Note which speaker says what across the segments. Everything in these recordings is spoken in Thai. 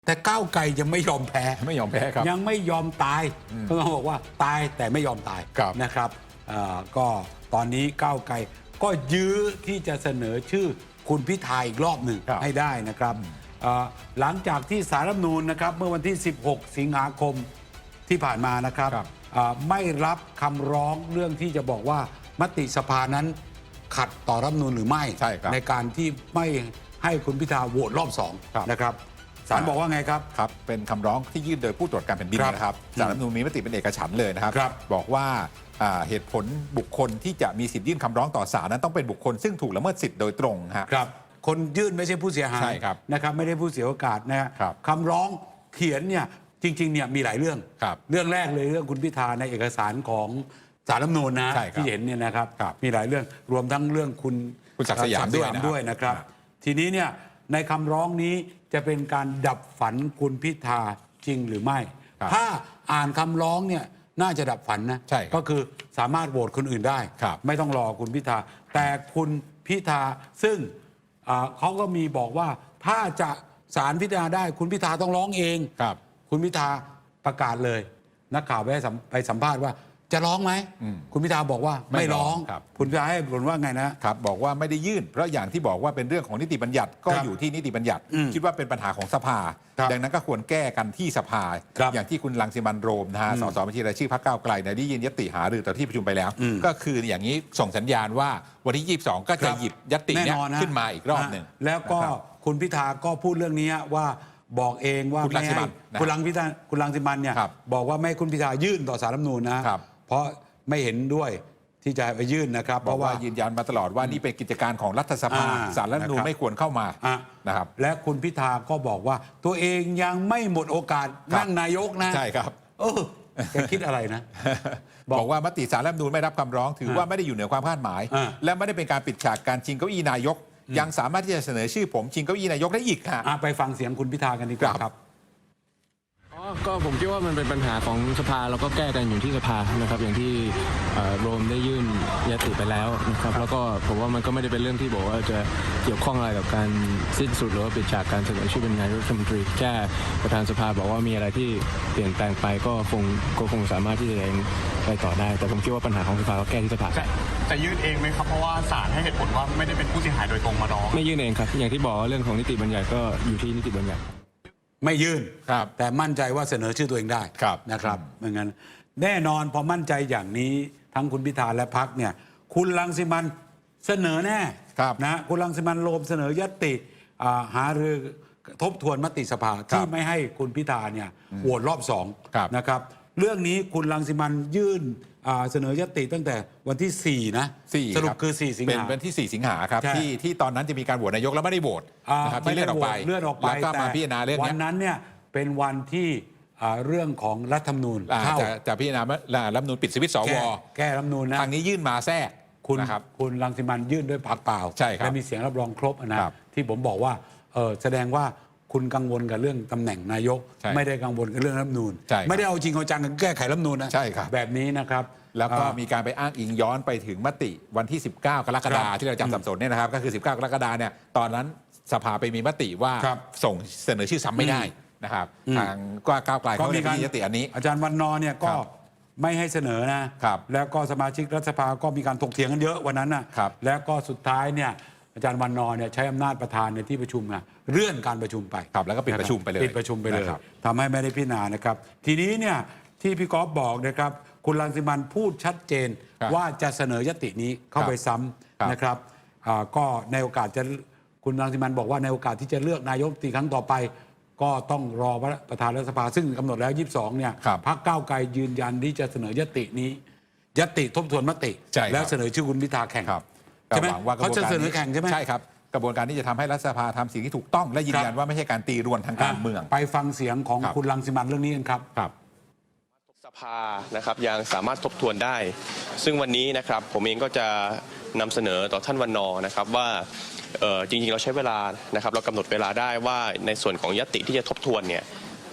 Speaker 1: แต่ก้าวไกลยังไม่ยอมแพ้
Speaker 2: ครับ
Speaker 1: ยังไม่ยอมตายเขาบอกว่าตายแต่ไม่ยอมตายนะครับก็ตอนนี้ก้าวไกลก็ยื้อที่จะเสนอชื่อคุณพิธาอีกรอบหนึ่งให้ได้นะครับหลังจากที่ศาลรัฐธรรมนูญนะครับเมื่อวันที่ 16 สิงหาคมที่ผ่านมานะครับไม่รับคำร้องเรื่องที่จะบอกว่ามติสภานั้นขัดต่อรัฐธรรมนูญหรือไม่ ในการที่ไม่ให้คุณพิธาโหวตรอบ2นะครับศาลบอกว่าไงครับ
Speaker 2: เป็นคำร้องที่ยื่นโดยผู้ตรวจการแผ่นดินนะครับศาลรัฐธรรมนูญมีมติเป็นเอกฉันท์เลยนะครับบอกว่าเหตุผลบุคคลที่จะมีสิทธิ์ยื่นคำร้องต่อศาลนั้นต้องเป็นบุคคลซึ่งถูกละเมิดสิทธิ์โดยตรง
Speaker 1: ครับคนยื่นไม่ใช่ผู้เสียหายนะครับไม่ได้ผู้เสียโอกาสนะครับคำร้องเขียนเนี่ยจริงๆเนี่ยมีหลายเรื่องเรื่องแรกเลยเรื่องคุณพิธาในเอกสารของศาลรัฐธรรมนูญนะที่เห็นเนี่ยนะครับมีหลายเรื่องรวมทั้งเรื่องคุณ
Speaker 2: ศักดิ์สยาม
Speaker 1: ด้วยนะครับทีนี้เนี่ยในคำร้องนี้จะเป็นการดับฝันคุณพิธาจริงหรือไม่ถ้าอ่านคำร้องเนี่ยน่าจะดับฝันนะก็คือสามารถโหวตคนอื่นได้ไม่ต้องรอคุณพิธาแต่คุณพิธาซึ่งเขาก็มีบอกว่าถ้าจะศาลพิจารณาได้คุณพิธาต้องร้องเองคุณพิธาประกาศเลยนักข่าวไปสัมภาษณ์ว่าจะร้องไหมคุณพิธาบอกว่าไม่ร้องคุณพิธาให้ผลว่าไง
Speaker 2: นะครับบอกว่าไม่ได้ยื่นเพราะอย่างที่บอกว่าเป็นเรื่องของนิติบัญญัติก็อยู่ที่นิติบัญญัติคิดว่าเป็นปัญหาของสภาดังนั้นก็ควรแก้กันที่สภาอย่างที่คุณรังสิมันต์โรมนะฮะสสบัญชีรายชื่อพรรคก้าวไกลได้ยื่นยติหารือต่อที่ประชุมไปแล้วก็คืออย่างนี้ส่งสัญญาณว่าวันที่22ก็จะหยิบยตินี้ขึ้นมาอีกรอบหนึ่ง
Speaker 1: แล้วก็คุณพิธาก็พูดเรื่องนี้ว่าบอกเองว่าไม่ให้คุณรังสิมันต์เนี่ยบอกว่าไม่ให้คุณพิธายื่นต่อศาลรัฐธรรมนูญนะเพราะไม่เห็นด้วยที่จะไปยื่นนะครับ
Speaker 2: เพราะว่ายืนยันมาตลอดว่านี่เป็นกิจการของรัฐสภาศาลรัฐธรรมนูญไม่ควรเข้ามานะครับ
Speaker 1: และคุณพิธาก็บอกว่าตัวเองยังไม่หมดโอกาสนั่งนายกนะ
Speaker 2: ใช่ครับ
Speaker 1: แกคิดอะไรนะ
Speaker 2: บอกว่ามติศาลรัฐธรรมนูญไม่รับคำร้องถือว่าไม่ได้อยู่เหนือความคาดหมายและไม่ได้เป็นการปิดฉากการชิงเก้าอี้นายกยังสามารถที่จะเสนอชื่อผมชิงเก้าอี้นายกได้อีกค่ะ
Speaker 1: ไปฟังเสียงคุณพิธากันดีกว่าครับ
Speaker 3: ก็ผมคิดว่ามันเป็นปัญหาของสภาแล้วก็แก้กันอยู่ที่สภานะครับอย่างที่โรมได้ยื่นยติไปแล้วนะครับแล้วก็ผมว่ามันก็ไม่ได้เป็นเรื่องที่บอกว่าจะเกี่ยวข้องอะไรกับการสิ้นสุดหรือว่าปิดฉากการเสนอชื่อเป็นนายกรัฐมนตรีแค่ประธานสภาบอกว่ามีอะไรที่เปลี่ยนแปลงไปก็คงสามารถที่จะไปต่อได้แต่ผมคิดว่าปัญหาของสภาก็แก้ที่สภา
Speaker 4: จะยื่นเองไหมครับเพราะว่าศาลให้เหตุผลว่าไม่ได้เป็นผู้เสียหายโดยตรงมาร้อง
Speaker 3: ไม่ยื่นเองครับอย่างที่บอกเรื่องของนิติบัญญัติก็อยู่ที่นิติบัญญัติ
Speaker 1: ไม่ยื่นแต่มั่นใจว่าเสนอชื่อตัวเองได้นะครับไม่งั้นแน่นอนพอมั่นใจอย่างนี้ทั้งคุณพิธาและพรรคเนี่ยคุณรังสิมันต์เสนอแน่นะคุณรังสิมันต์โรมเสนอยติหารือทบทวนมติสภาที่ไม่ให้คุณพิธาเนี่ยโหวตรอบ2นะครับเรื่องนี้คุณรังสิมันต์ยื่นเสนอยติตั้งแต่วันที่4นะสรุปคือ4สิงหา
Speaker 2: เป็นวันที่4สิงหาครับที่ตอนนั้นจะมีการโหวตนายกแล้วไม่ได้โหวตนะครับที่เลื่อนออกไป
Speaker 1: แล้ว
Speaker 2: ก็มาพิจารณาเรื่อง
Speaker 1: วันนั้นเนี่ยเป็นวันที่เรื่องของรัฐธรรมนูญ
Speaker 2: จะพิจารณารัฐธรรมนูญปิดสวิตช์สว
Speaker 1: แก้รัฐธรรมนูญนะ
Speaker 2: ทางนี้ยื่นมาแทรก
Speaker 1: คุณรังสิมันต์ยื่นด้วยปากเปล่าและมีเสียงรับรองครบนะที่ผมบอกว่าแสดงว่าคุณกังวลกับเรื่องตำแหน่งนายกไม่ได้กังวลกับเรื่องรัฐธรรมนูญไม่ได้เอาจริงเอาจังกับแก้ไขรัฐธรรมนูญนะแบบนี้นะครับ
Speaker 2: แล้วก็มีการไปอ้างอิงย้อนไปถึงมติวันที่19กรกฎาคมที่เราจำสับสนเนี่ยนะครับก็คือ19กรกฎาคมเนี่ยตอนนั้นสภาไปมีมติว่าส่งเสนอชื่อซ้ำไม่ได้นะครับทางก้าวไกลเขามียติอันนี้
Speaker 1: อาจารย์วันนอเนี่ยก็ไม่ให้เสนอนะแล้วก็สมาชิกรัฐสภาก็มีการถกเถียงกันเยอะวันนั้นนะแล้วก็สุดท้ายเนี่ยอาจารย์วันนอเนี่ยใช้อำนาจประธานในที่ประชุมนะเลื่อนการประชุมไป
Speaker 2: แล้วก็ปิดประชุมไปเลย
Speaker 1: ทำให้ไม่ได้พิจารณานะครับทีนี้เนี่ยที่พี่กอล์ฟบอกนะครับคุณรังสิมันต์พูดชัดเจนว่าจะเสนอยตินี้เข้าไปซ้ำนะครับก็ในโอกาสจะคุณรังสิมันต์บอกว่าในโอกาสที่จะเลือกนายกครั้งต่อไปก็ต้องรอประธานรัฐสภาซึ่งกำหนดแล้ว22เนี่ยพรรคก้าวไกลยืนยันที่จะเสนอยตินี้ยติทบทวนมติแล้วเสนอชื่อคุณพิธาแข่งใช่ไหมเขาจะเสนอแข่งใช่ไหม
Speaker 2: ใช่ครับกระบวนการที่จะทำให้รัฐสภาทำสิ่งที่ถูกต้องและยืนยันว่าไม่ใช่การตีรวนทางการเมือง
Speaker 1: ไปฟังเสียงของคุณรังสิมันต์เรื่องนี้กันครับ
Speaker 5: สภานะครับยังสามารถทบทวนได้ซึ่งวันนี้นะครับผมเองก็จะนำเสนอต่อท่านวันนอนะครับว่าจริงๆเราใช้เวลานะครับเรากำหนดเวลาได้ว่าในส่วนของญัตติที่จะทบทวนเนี่ย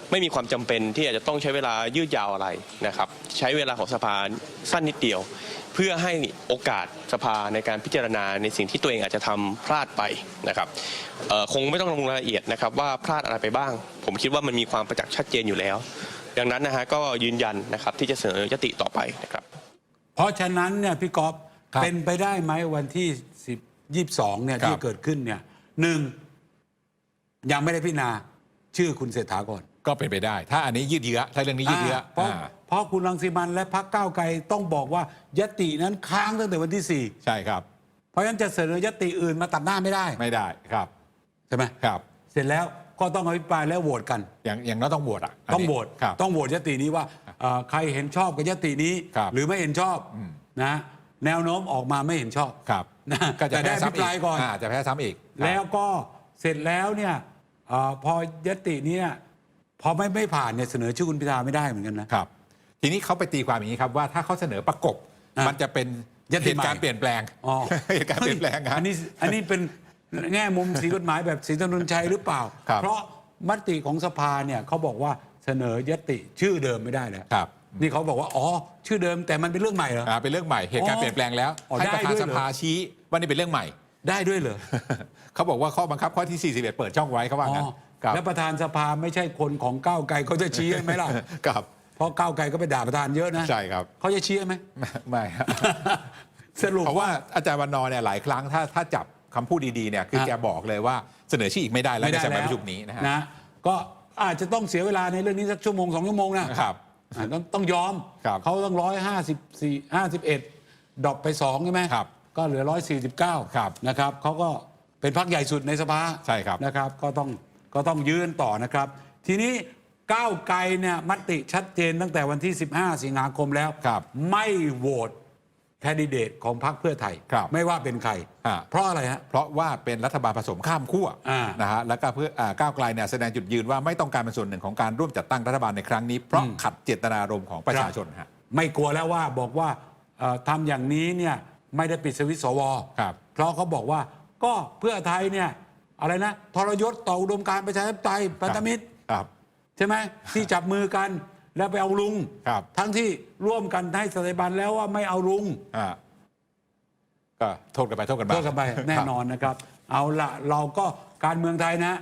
Speaker 5: ไม่มีความจำเป็นที่อาจจะต้องใช้เวลายืดยาวอะไรนะครับใช้เวลาของสภาสั้นนิดเดียว เพื่อให้โอกาสสภาในการพิจารณาในสิ่งที่ตัวเองอาจจะทำพลาดไปนะครับคงไม่ต้องลงรายละเอียดนะครับว่าพลาดอะไรไปบ้าง ผมคิดว่ามันมีความประจักษ์ชัดเจนอยู่แล้ว ดังนั้นนะฮะก็ยืนยันนะครับที่จะเสนอยติต่อไปนะครับ
Speaker 1: เพราะฉะนั้นเนี่ยพี่กอฟเป็นไปได้ไหมวันที่22เนี่ยที่เกิดขึ้นเนี่ยหนึ่งยังไม่ได้พิจารณาชื่อคุณเศรษฐาก่อน
Speaker 2: ก็เป็นไปได้ ถ้าอันนี้ยืดเยื้อถ้าเรื่องนี้ยืดเยื้อ
Speaker 1: เพราะคุณรังสิมันและพรรคก้าวไกลต้องบอกว่ายตินั้นค้างตั้งแต่วันที่
Speaker 2: ใช่ครับ
Speaker 1: 4เพราะฉะนั้นจะเสนอยติอื่นมาตัดหน้าไม่ได้
Speaker 2: ไม่ได้ครับ
Speaker 1: ใช่ไหม
Speaker 2: ครับ
Speaker 1: เสร็จแล้วก็ต้องอภิปรายแล้วโหวตกัน
Speaker 2: อย่างน้อยต้องโหวตอ่ะ
Speaker 1: ต้องโหวต
Speaker 2: ครับ
Speaker 1: ต้องโหวตยตินี้ว่าใครเห็นชอบกับยตินี้
Speaker 2: ครับ
Speaker 1: หรือไม่เห็นชอบนะแนวโน้มออกมาไม่เห็นชอบ
Speaker 2: ครับ
Speaker 1: นะ
Speaker 2: ก็จะ
Speaker 1: แต่ได้
Speaker 2: แพ้
Speaker 1: อภิ
Speaker 2: ซ้ำ
Speaker 1: ป
Speaker 2: อี
Speaker 1: ราย
Speaker 2: ก
Speaker 1: ก่อน
Speaker 2: จะแพ้ซ้ำอีก
Speaker 1: แล้วก็เสร็จแล้วเนี่ยพอยตินี้พอไม่ผ่านเนี่ยเสนอชื่อคุณพิธาไม่ได้เหมือนกันนะครับ
Speaker 2: ทีนี้เขาไปตีความอย่างนี้ครับว่าถ้าเขาเสนอประกบ มันจะเป็น
Speaker 1: ยติ
Speaker 2: เห
Speaker 1: ใหม่
Speaker 2: ตุการณ์เปลี่ยนแปลง
Speaker 1: อ๋อ
Speaker 2: เหตุการณ์เปลี่ยนแปลงครับ
Speaker 1: อันนี้เป็นแง่มุมสีกฎหมายแบบศรีถนนชัยหรือเปล่า
Speaker 2: ครับ
Speaker 1: เพราะมติของสภาเนี่ยเขาบอกว่าเสนอยติชื่อเดิมไม่ได้แล้ว
Speaker 2: ครับ
Speaker 1: นี่เขาบอกว่าอ๋อชื่อเดิมแต่มันเป็นเรื่องใหม่เหรอ
Speaker 2: เป็นเรื่องใหม่เหตุการณ์เปลี่ยนแปลงแล้ว
Speaker 1: อ๋อ
Speaker 2: ให้ประธาน
Speaker 1: ได้ด้วย
Speaker 2: ส
Speaker 1: เหรอ
Speaker 2: ภาชี้ว่านี่เป็นเรื่องใหม่
Speaker 1: ได้ด้วยเหรอ
Speaker 2: เขาบอกว่าข้อบังคับข้อที่ 41 เปิดช่องไว้เขาว่างั้นครับ
Speaker 1: แล้วประธานสภาไม่ใช่คนของก้าวไกลเขาจะชี้ไหมล่ะ
Speaker 2: ครับ
Speaker 1: เพราะก้าวไกลก็ไปด่าประธานเยอะนะ
Speaker 2: ใช่ครับ
Speaker 1: เขาจะชี้ไหม
Speaker 2: ไม่ครับ
Speaker 1: สรุป
Speaker 2: เพราะว่าอาจารย์วันนอร์เนี่ยหลายครั้งถ้าจับคำพูดดีๆเนี่ยคือแกบอกเลยว่าเสนอชื่ออีกไม่ได้แล้วในสมัยประชุมนี้นะฮะ
Speaker 1: ก็อาจจะต้องเสียเวลาในเรื่องนี้สักชั่วโมง2 ชั่วโมงนะครับ ต้องยอม
Speaker 2: ครับ
Speaker 1: เขาต้อง51ดรอปไป2ใช่ไหม
Speaker 2: ครับ
Speaker 1: ก็เหลือ149
Speaker 2: ครับ
Speaker 1: นะครับเขาก็เป็นพรรคใหญ่สุดในสภา
Speaker 2: ใช่ครับ
Speaker 1: นะครับก็ต้องยืนต่อนะครับ ทีนี้ก้าวไกลเนี่ยมติชัดเจนตั้งแต่วันที่ 15 สิงหาคมแล้ว
Speaker 2: ครับ
Speaker 1: ไม่โหวตแคนดิเดตของพรรคเพื่อไทย
Speaker 2: ครับ
Speaker 1: ไม่ว่าเป็นใคร เพราะอะไรฮะ
Speaker 2: เพราะว่าเป็นรัฐบาลผสมข้ามขั้ว
Speaker 1: อ่า
Speaker 2: นะฮะแล้วก็เพื่อก้าวไกลเนี่ยแสดงจุดยืนว่าไม่ต้องการเป็นส่วนหนึ่งของการร่วมจัดตั้งรัฐบาลในครั้งนี้ เพราะขัดเจตนารมณ์ของประชาชนฮะ
Speaker 1: ไม่กลัวแล้วว่าบอกว่าทำอย่างนี้เนี่ยไม่ได้ปิดสวิตช์สว
Speaker 2: ครับ
Speaker 1: เพราะเขาบอกว่าก็เพื่อไทยเนี่ยอะไรนะทรยศต่ออุดมการณ์ประชาธิปไตยพันธมิตร
Speaker 2: ครับ
Speaker 1: ใช่ไหมที่จับมือกันแล้วไปเอาลุง
Speaker 2: ครับ
Speaker 1: ทั้งที่ร่วมกันให้สถาบันแล้วว่าไม่เอาลุง
Speaker 2: ก็โทษกันไปโทษกันมา
Speaker 1: โทษกันไปแน่นอนนะครับ เอาละเราก็การเมืองไทยนะ